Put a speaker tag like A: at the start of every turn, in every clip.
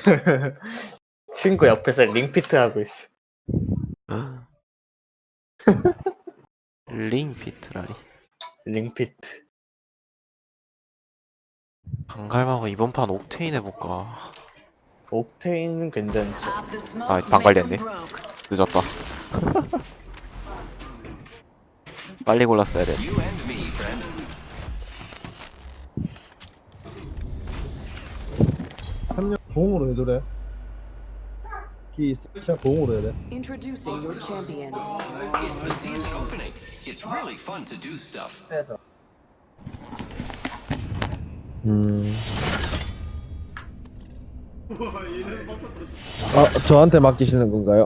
A: 친구 옆에서 링피트 하고 있어.
B: 링피트라니.
A: 링피트.
B: 방갈방어 이번 판 옥테인 해볼까.
A: 옥테인 괜찮지.
B: 아 방갈렸네. 늦었다. 빨리 골랐어야 돼.
C: 삼년 공으로 해줘래. 키 세션 공으로 해야 돼.
D: Introducing your champion.
E: It's the season opening. It's really fun to do stuff.
C: 저한테 맡기시는 건가요?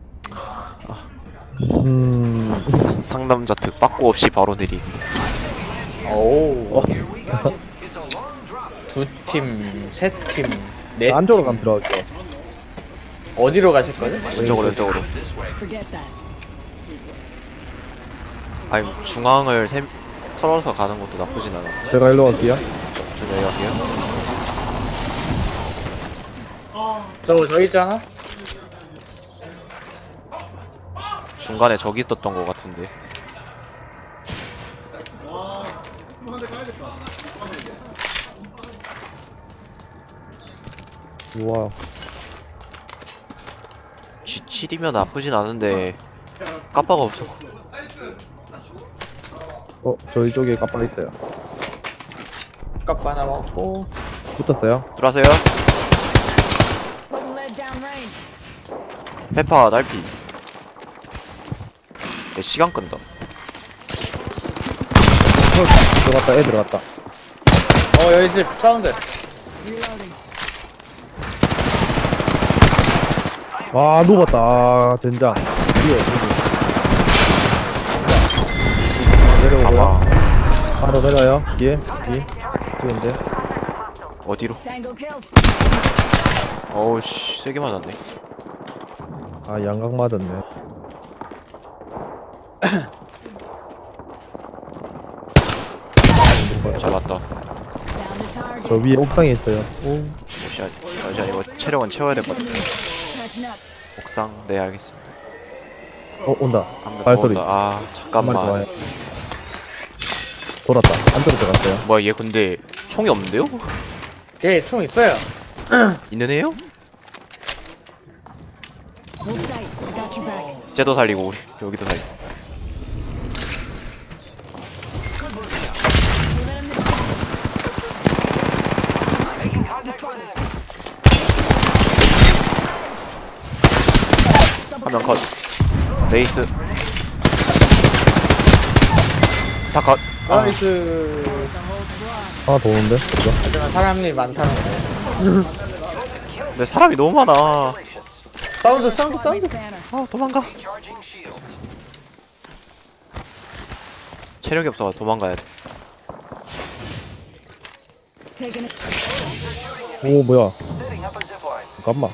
B: 상남자 특 빠꾸 없이 바로 내리.
A: 오.
E: Here we go. It's a long drop.
A: 두 팀, 세 팀, 네
C: 안쪽으로
A: 팀.
C: 가면 들어갈게요.
A: 어디로 가실 거예요?
B: 왼쪽으로 왼쪽으로.
D: Forget that.
B: 아니 중앙을 털어서 가는 것도 나쁘진 않아.
C: 제가 일로 갈게요.
B: 저 내려갈게요.
A: 저 있잖아.
B: 중간에 저기 있었던 것 같은데.
C: 우와.
B: G7이면 나쁘진 않은데 까빠가 없어.
C: 저희 쪽에 깜빡 있어요.
A: 값 하나 먹고.
C: 붙었어요?
B: 들어가세요.
D: Putting lead down range.
B: 페파 날피. 내 시간 끈다.
C: 들어갔다, 애 들어갔다.
A: 여기 집 사운드.
D: Reloading.
C: 아, 녹았다. 아, 젠장. 뒤에, 내려오고요.
B: 가봐.
C: 바로 내려요. 뒤에, 뒤인데.
B: 어디로?
D: Tango killed.
B: 어우씨 세게 맞았네.
C: 아, 양각 맞았네.
B: 잡았다.
D: Down the target.
C: 저 위에 옥상에 있어요. 오.
B: 잠시만 이거 체력은 채워야 될 것 같은데.
D: Catching up.
B: 옥상 네 알겠습니다.
C: 온다.
B: 한번더
C: 발소리.
B: 온다. 아
C: 한 마리
B: 잠깐만.
C: 좋아요. 돌았다. 안쪽으로 들어갔어요.
B: 뭐야 얘 근데 총이 없는데요?
A: 걔 총 있어요.
B: 있는 애요?
D: Hold tight. Got your back.
B: 쟤도 살리고 우리 여기도 살리고. 한 명 컷. 레이스. 다 컷.
A: 나이스.
C: 하나 더 오는데? 그죠?
A: 하지만 사람이 많다는 거.
B: 근데 사람이 너무 많아.
A: 사운드.
D: Squad banner.
B: 아 도망가.
E: Charging shields.
B: 체력이 없어 도망가야 돼.
D: Taking it.
C: 오, 뭐야. 잠깐만.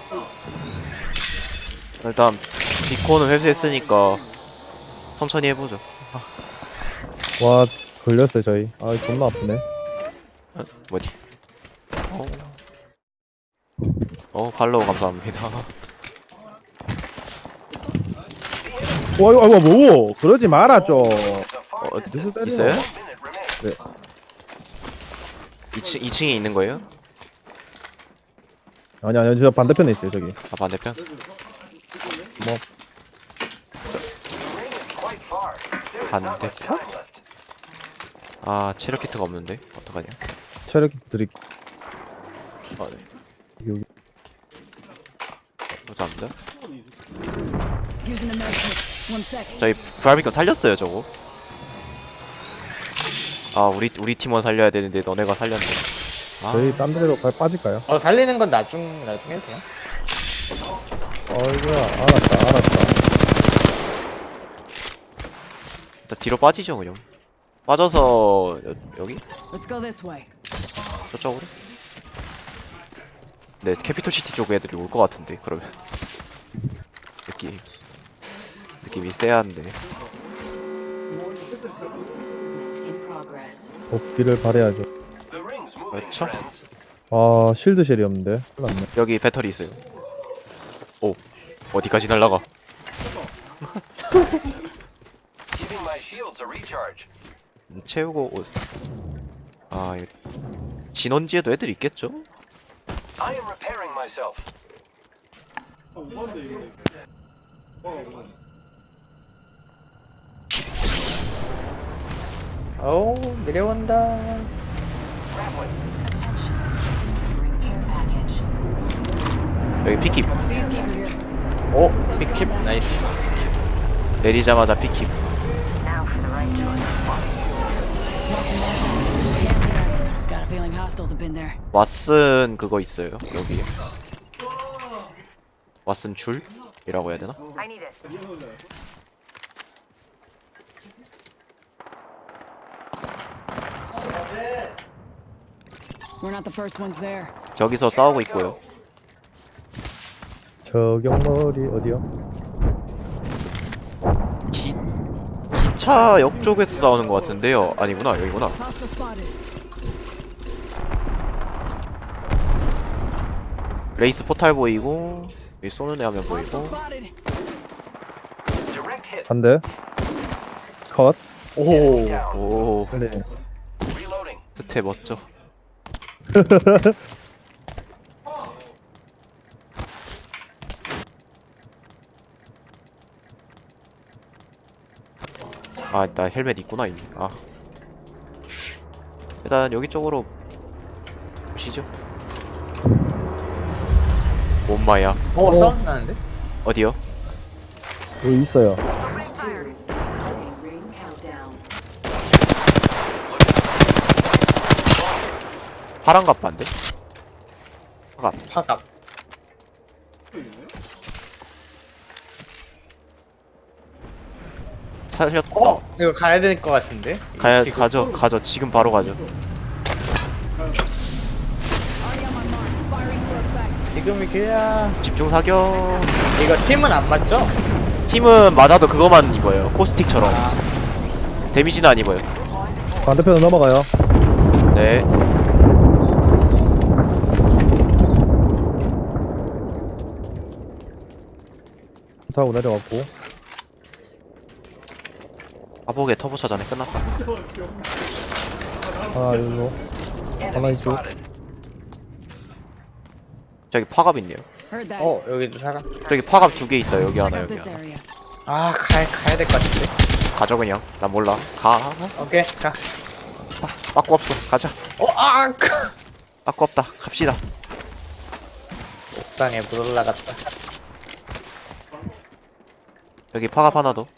B: 일단 비콘은 회수했으니까 천천히 해보죠.
C: 와, 걸렸어요, 저희. 아, 존나 아프네.
B: 뭐지? 팔로우 감사합니다.
C: 와, 이거, 뭐. 그러지 마라, 좀. 누구 때리노?
B: 있어요?
C: 네.
B: 2층에 있는 거예요?
C: 아니, 저 반대편에 있어요, 저기.
B: 아 반대편?
C: 뭐,
B: 반대편? 아 체력 키트가 없는데 어떡하냐?
C: 체력 드릭.
B: 아 네.
C: 여기.
B: 감사합니다.
D: Using the med kit. 1 sec.
B: 저희 브라비콘 살렸어요 저거. 아 우리 팀원 살려야 되는데 너네가 살렸네. 아
C: 저희 딴 데로 빠질까요?
A: 살리는 건 나중에 해도 돼요.
C: 어이구야, 알았다.
B: 일단 뒤로 빠지죠 그냥. 빠져서 여기?
D: Let's go this way.
B: 저쪽으로? 네 캐피톨 시티 쪽 애들이 올 것 같은데 그러면 느낌이 쎄한데.
D: In progress.
C: 복귀를 바래야죠.
E: The ring's moving.
B: 그렇죠?
E: friends.
C: 아 실드 쉘이 없는데. 큰일 났네.
B: 여기 배터리 있어요. 오, 어디까지 날라가?
E: Giving my shields a recharge.
B: 채우고 아, 이거 진원지에도 애들 있겠죠?
E: I am repairing myself.
A: 오, 내려온다.
B: 여기 피킵.
D: Peacekeeper here.
A: 오, 빅킵 나이스.
B: 내리자마자 피킵.
D: Watching that. Cancel that. Got a feeling hostiles have been there.
B: 왓슨 그거 있어요. 여기에. 왓슨 줄이라고 해야 되나?
D: We're not the first ones there.
B: 저기서 싸우고 있고요.
C: 저격머리 어디요?
B: 기차 역 쪽에서 싸우는 것 같은데요. 아니구나, 여기구나.
D: Hostile spotted.
B: 레이스 포탈 보이고 여기 쏘는 애 하면
D: Hostile
B: 보이고.
D: spotted.
E: Direct hit.
C: 한 대. 컷.
A: 오,
E: Down.
B: 오,
C: 그래.
E: Reloading.
B: 스텝 멋져. 아, 나 헬멧 있구나 이미. 아, 일단 여기 쪽으로 보시죠. 엄마야.
A: 오, 싸움 나는데?
B: 어디요?
C: 여기 있어요.
B: 파란 갑반데? 파갑.
A: 파갑.
B: 살렸다.
A: 이거 가야 될 것 같은데?
B: 가야
A: 지금.
B: 가죠. 지금 바로 가죠.
D: Already on my mark. Firing for effect.
A: 지금이 그야.
B: 집중 사격.
A: 이거 팀은 안 맞죠?
B: 팀은 맞아도 그거만 입어요. 코스틱처럼. 데미지는 안 입어요.
C: 반대편으로 넘어가요.
B: 네.
C: 타고 내려왔고.
B: 아복의 터보 차전에 끝났다.
C: 하나 일로. 하나 이쪽.
B: 저기 파갑 있네요.
D: Heard that.
A: 어, 여기도 사람.
B: 저기 파갑 2개 있다. 여기
D: Check
B: 하나,
D: out
B: 여기
D: this
B: 하나.
D: area.
A: 아, 가야 될 것 같은데.
B: 가져 그냥. 난 몰라. 가.
A: 오케이, 가.
B: 빠꾸 없어. 가자.
A: 아!
B: 빠꾸 없다. 갑시다.
A: 옥상에 물 올라갔다.
B: 여기 파갑 하나 더.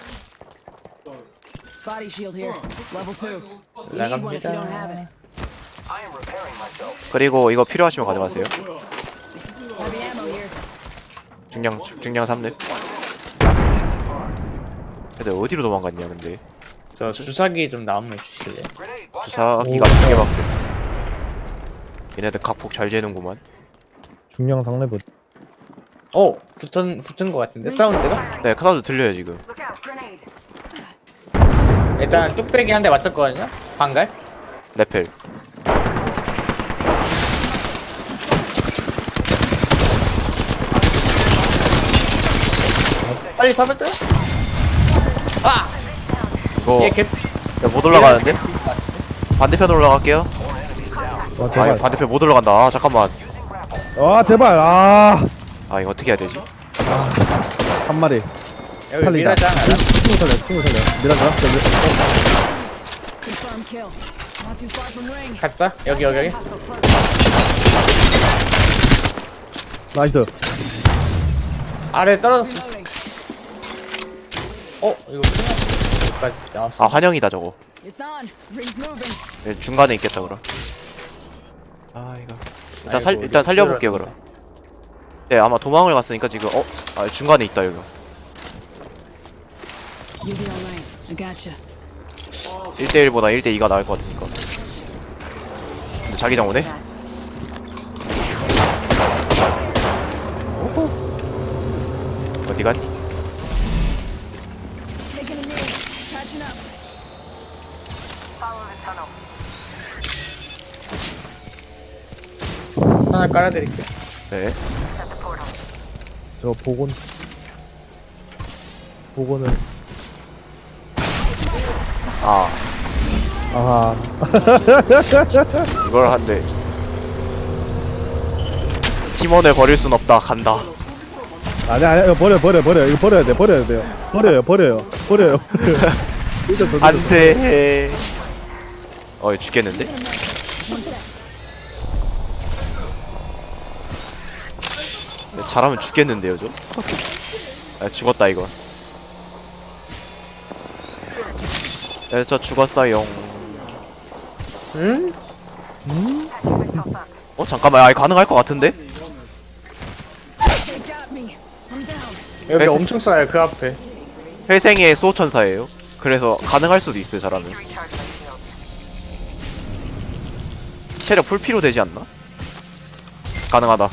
D: Body shield here. Level 2. You need one if you don't have
A: 나갑니다.
D: it.
E: I am repairing myself.
B: 그리고 이거 필요하시면 가져가세요.
D: Heavy ammo here.
B: 중량 3렙. 근데 어디로 도망갔냐 근데.
A: 저 주사기 좀 나오면 주실래요?
E: Grenade. Watch out.
B: 주사기가 2개밖에 없어. 얘네들 각폭 잘 재는구만.
C: 중량 상레브.
A: 붙은 것 같은데? 사운드가?
B: 네, 카나도 들려요 지금.
A: 일단 뚝배기 한 대 맞췄거든요? 방갈?
B: 레펠.
A: 빨리 잡았죠? 아!
B: 이거
A: 얘 개...
B: 못 올라가는데? 반대편으로 올라갈게요.
C: 와
B: 아,
C: 제발.
B: 이거 반대편 못 올라간다. 아, 잠깐만.
C: 아 제발. 아.
B: 아, 이거 어떻게 해야 되지?
C: 한 마리.
A: 여기
C: 살리다.
A: 미라장 알아?
C: 친구 살려. 미라자.
D: Confirm kill. Not too far from ring.
A: 가자. 여기.
D: Hostile front.
C: 나이스.
A: 아래 떨어졌어.
D: Reloading.
A: 이거 끝났어. 여기까지 나왔어.
B: 아, 환영이다 저거.
D: It's on. Ring's moving.
B: 네, 중간에 있겠다 그럼. 아, 이거
A: 아이고,
B: 일단 살려볼게요 그럼. 네, 아마 도망을 갔으니까 지금 중간에 있다 여기.
D: You'll be alright. I gotcha.
B: 1대1보다 1대2가 나을 것 같으니까. 근데 자기장 오네? 어디 갔니?
D: Taking a knee. Catching up.
A: 하나 깔아드릴게요.
B: 네.
C: 저 복원은
B: 아
C: 아하.
B: 이걸 한대. 팀원을 버릴 순 없다. 간다.
C: 아니 이거 버려 이거 버려야 돼요. 버려요.
B: 안돼. 죽겠는데? 잘하면 죽겠는데요, 저? 죽었다 이거. 네, 저 죽었어요.
A: 응?
B: 잠깐만, 가능할 것 같은데?
D: They got me. I'm down.
A: 여기
B: 그래서-
A: 엄청 쏴요 그 앞에.
B: 회생의 수호천사예요. 그래서 가능할 수도 있어요, 잘하면. 체력 풀피로 되지 않나? 가능하다.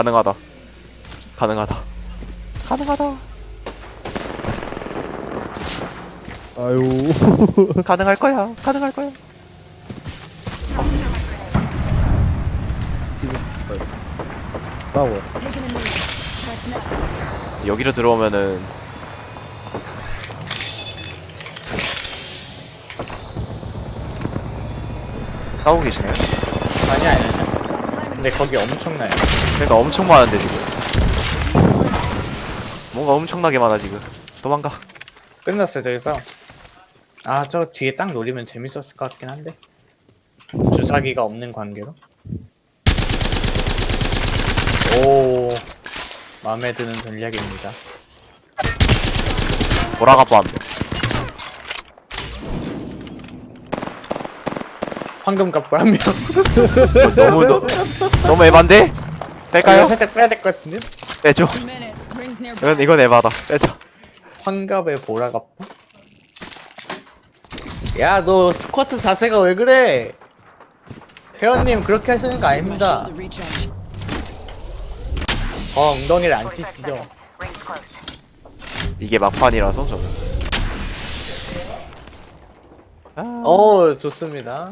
C: 아유.
B: 가능할 거야.
C: 싸워.
D: Taking a knee. Catching up.
B: 여기로 들어오면은 싸우고 계시나요?
A: 아니야. 근데 거기 엄청나요.
B: 그러니까 엄청 많은데 지금. 뭔가 엄청나게 많아 지금. 도망가.
A: 끝났어요 저기서. 아 저 뒤에 딱 노리면 재밌었을 것 같긴 한데. 주사기가 없는 관계로. 오 마음에 드는 전략입니다.
B: 보라가 뻔.
A: 황금 값과 한 명.
B: 너무 에반데? 뺄까요?
A: 살짝 빼야 될 것 같은데?
B: 빼줘.
D: A minute. Rings nearby.
B: 이건 에바다. 빼자.
A: 환갑의 보라갑바? 야 너 스쿼트 자세가 왜 그래? 회원님 그렇게 하시는 거
D: My
A: 아닙니다.
D: shields are recharged.
A: 엉덩이를 안 치시죠?
B: 이게 막판이라서 저는.
A: 좋습니다.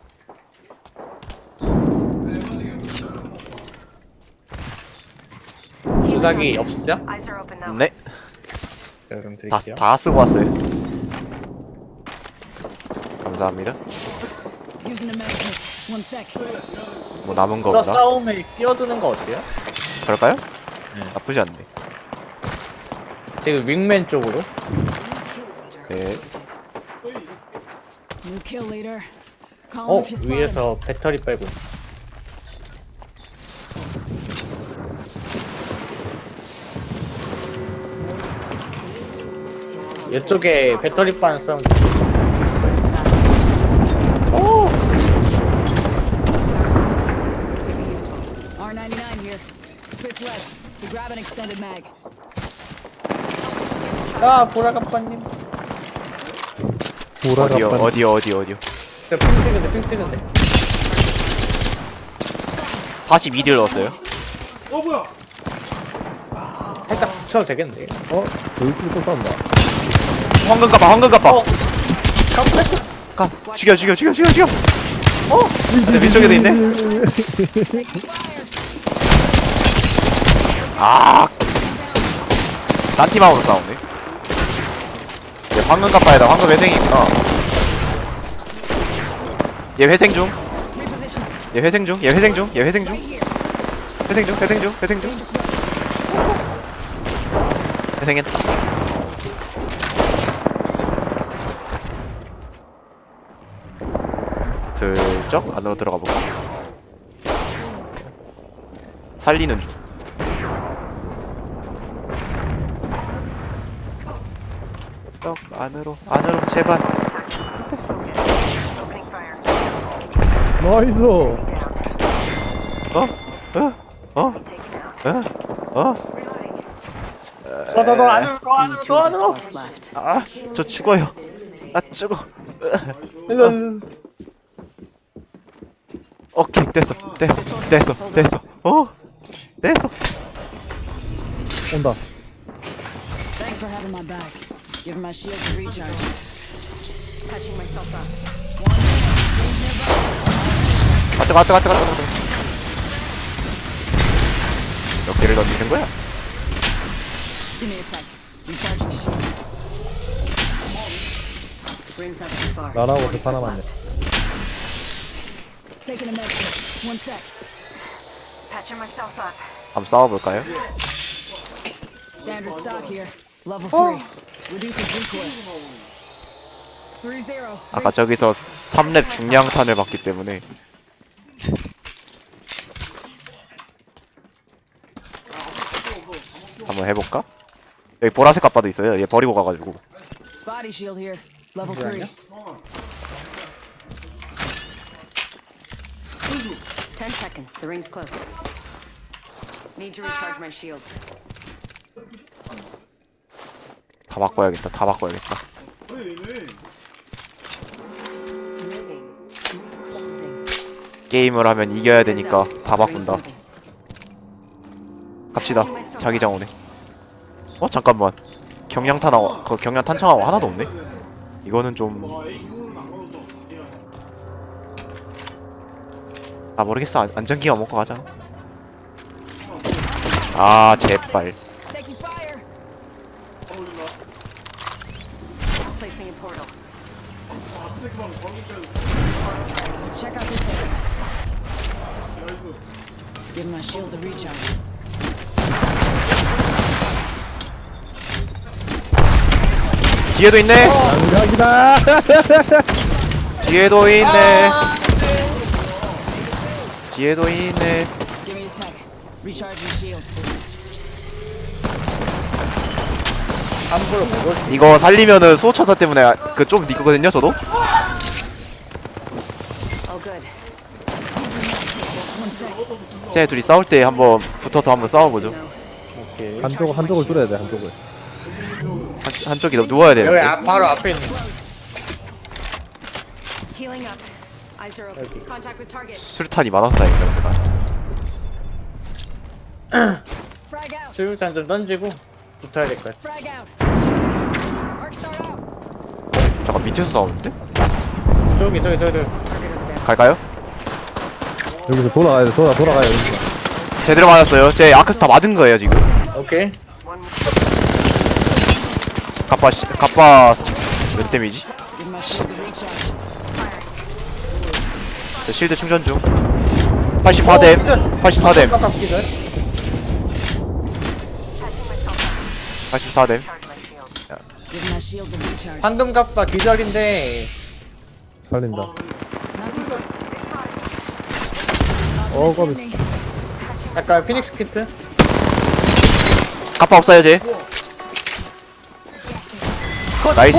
A: 주사기 없으죠?
B: 네.
A: 자 그럼
B: 다,
A: 드릴게요.
B: 다 쓰고 왔어요. 감사합니다.
D: Using a medic kit. One sec.
B: 뭐 남은 거
A: 저
B: 없나?
A: 싸움에 끼어드는 거 어때요?
B: 그럴까요?
A: 네.
B: 나쁘지 않네.
A: 지금 윙맨 쪽으로.
B: 네.
D: New kill leader. Call him if you spot him.
A: 위에서 배터리 빼고. 이쪽에 배터리 빠는 사운드.
D: R99 here. Spits left. So grab an extended mag.
A: 아 보라갑바님.
B: 어디요?
A: 저핑 찍은데.
B: 42딜 넣었어요.
A: 살짝 붙여도 되겠는데.
C: 저기 또 싸운다.
B: 황금 갑바.
A: 깜짝이야.
B: 가. 죽여. 근데 위쪽에도 있네. 아. 딴팀하고도 싸우네. 얘 황금 갑바에다 황금 회생이 있구나. 얘 회생 중. 회생했다. 슬쩍 안으로 들어가 볼까? 살리는 중. 쩍 안으로 제발.
C: 나이스.
A: 너 안으로
D: Only two other
A: 안으로.
D: spots left.
B: 아, 저 죽어요. 나 죽어.
A: 일로.
B: 오케이, 됐어. 됐어.
C: 온다.
D: Thanks for having my back. Giving my shield to recharge. Touching myself up.
B: 갔다. 몇 개를 던지는 거야?
D: Give me a sec. Recharging shield. Ring's not too far.
C: 나라고 저 하나만 내.
D: Taking a med kit. One sec.
F: Patching myself up.
B: 한번 싸워볼까요?
D: Standard stock here. Level 3. Reduces recoil. 3-0.
B: 아까 저기서 3렙 중량탄을 받기 때문에 한번 해볼까? 여기 보라색 갑바도 있어요. 얘 버리고 가가지고.
D: Body shield here. Level 3.
F: 10 seconds. The ring's close. Need to recharge my shields.
B: 다 바꿔야겠다. 다 바꿔야겠다.
F: Moving. Closing.
B: 게임을 하면 이겨야 되니까 다 바꾼다. 갑시다. 자기장 오네. 어 잠깐만. 경량탄 나와. 그 경량 탄창하고 하나도 없네. 이거는 좀. 아 모르겠어. 안전기가 먹고 가자. 아 제발.
D: Taking fire.
F: Placing a portal.
D: Let's check out this area. Give my shields a recharge.
B: 뒤에도 있네.
C: 장작이다.
B: 뒤에도 있네. 뒤에도 있네.
D: Give me a sec. Recharging shields.
A: 함부로 그걸
B: 이거 살리면은 수호천사 때문에 그 좀 니거든요 저도.
F: Oh, good.
D: One sec.
B: 쟤네 둘이 싸울 때 한번 붙어서 한번 싸워보죠.
A: 오케이.
C: 한쪽을 줄여야 돼. 한쪽을.
B: 한쪽이 누워야
A: 여기
B: 되는데.
A: 바로 앞에 있는.
F: Healing up. Eyes are open. Contact with target.
B: 수류탄이 많아서 다행이다 근데 나.
D: Frag out.
A: 수류탄 좀 던지고 붙어야 될 것 같아.
D: Frag out. Arc start out.
B: 잠깐 밑에서 싸우는데?
A: 저기.
F: Target over there.
B: 갈까요?
C: 여기서 돌아가야 돼. 돌아가야 여기서.
B: 제대로 맞았어요. 제 아크스타 맞은 거예요 지금.
A: 오케이.
B: 갑바 몇 데미지?
D: Give my shields a recharge.
B: 저 실드 충전 중. 84뎀. 84뎀.
A: 깜빡 기절.
B: 84뎀.
D: Give my shields a recharge.
A: 황금 갑바 기절인데
C: 살린다.
D: Not too far.
C: 거기.
A: 약간 피닉스 키트.
B: 갑바 없어요 쟤. 나이스.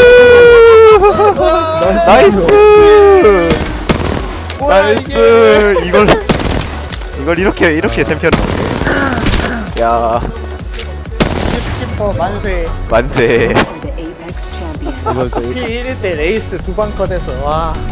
B: 나이스.
A: 뭐야 이게?
B: 나이스. 이걸 이렇게 챔피언을 먹네. 야
A: 스키퍼 만세.
B: 만세.
F: The Apex champion.
C: 이걸 또
A: P1일 때 레이스 2방 컷해서 와.